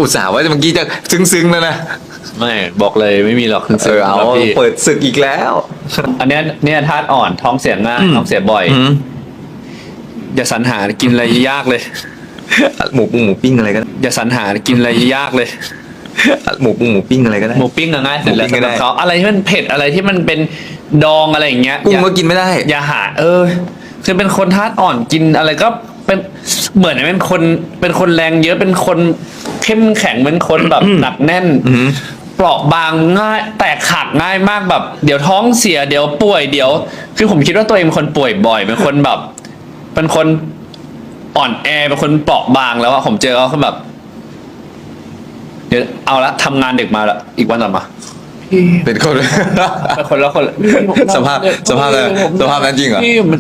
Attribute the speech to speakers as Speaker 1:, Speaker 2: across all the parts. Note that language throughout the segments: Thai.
Speaker 1: อุตส่าห์ว่าเมื่อกี้จะซึ้งๆแล้วนะ
Speaker 2: ไม่บอกเลยไม่มีหรอก
Speaker 1: เอา
Speaker 2: พี่
Speaker 1: เปิดศึกอีกแล้ว
Speaker 2: อันเนี้ยเนี่ยธาตุอ่อนท้องเสียง่ายท้องเสียบ่อย อย่าสรรหากินอะไรยากเลย
Speaker 1: หมูปิ้งอะไรก็ได้
Speaker 2: อย่าสรรหากินอะไรยากเลย
Speaker 1: หมูปิ้งอะไรก็ได้
Speaker 2: หมูปิ้งง่ายเสร็จแล้ว
Speaker 1: หมูปิ้งก็ได้
Speaker 2: สำหรับเขาอะไรที่มันเผ็ดอะไรที่มันเป็นดองอะไรอย่างเงี้ย
Speaker 1: กุ้งก็กินไม่ได้
Speaker 2: อย่าหาคือเป็นคนธาตุอ่อนกินอะไรก็เป็นเหมือนเป็นคนแรงเยอะเป็นคนเข้มแข็งเป็นคนแบบหนักแน่นเปราะบางง่ายแตกหักง่ายมากแบบ เดี๋ยวท้องเสียเดี๋ยวป่วยเดี๋ยว คือผมคิดว่าตัวเองเป็นคนป่วยบ่อยเป็นคนแบบ เป็นคนอ่อนแอเป็นคนเปราะบางแล้วอะผมเจอเขาแบบ เดี๋ยวเอาละทำงานดึกมาละอีกวันต่อมา
Speaker 1: เป็นคน
Speaker 2: เป็นคนละคนละ
Speaker 1: สภาพนั้นจริงเหรอ
Speaker 2: พี่มัน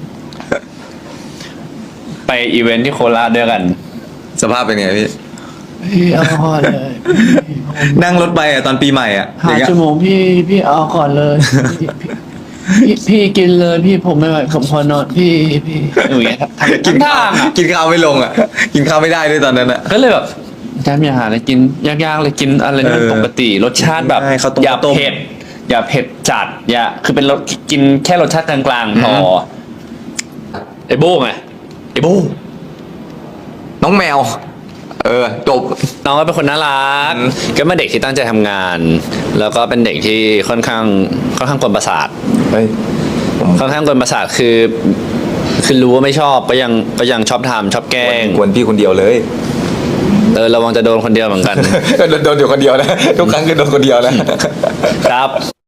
Speaker 2: ไปอีเวนท์ที่โคราชด้วยกัน
Speaker 1: สภาพเป็นไงพี่
Speaker 3: พี่เอาก่อนเลย
Speaker 1: นั่งรถไปตอนปีใหม่อ
Speaker 3: หา
Speaker 1: ย่างเงี้ย
Speaker 3: ชั่วโมงพี่เอาก่อนเลยพี่กินเลยพี่ผมไม่ไหวผมขอนอนพี่
Speaker 2: อย่างเงี้ย
Speaker 1: กิน
Speaker 2: ทา
Speaker 1: ข้าว
Speaker 2: งอะ
Speaker 1: กินข้าวไม่ลงกินข้าวไม่ได้ด้วยตอนนั้น
Speaker 2: ก็เลยแบบจำอย่าหาอะไรกินยากๆเลยกินอะไรที่มันปกติรสชาติแบบ
Speaker 1: ใช่ข้าวต้ม
Speaker 2: อย่า
Speaker 1: ข้าวต้ม
Speaker 2: เผ็ดอย่าเผ็ดจัดคือเป็นรสกินแค่รสชาติกลางๆพอไอ้โบ้ไงไอ้โบ้
Speaker 1: น้องแมว จบ
Speaker 2: น้องก็เป็นคนน่ารักก็เป็นเด็กที่ตั้งใจทำงาน แล้วก็เป็นเด็กที่ค่อนข้างกวนประสาท
Speaker 1: เฮ้ย
Speaker 2: ค่อนข้างกวนประสาทคือรู้ว่าไม่ชอบก็ยังชอบทำชอบแกล้ง
Speaker 1: กวนพี่คนเดียวเลย
Speaker 2: ระวังจะโดนคนเดียวเหมือนกัน
Speaker 1: โดนอยู่คนเดียวนะ ทุกครั้งคือโดนคนเดียวนะครับ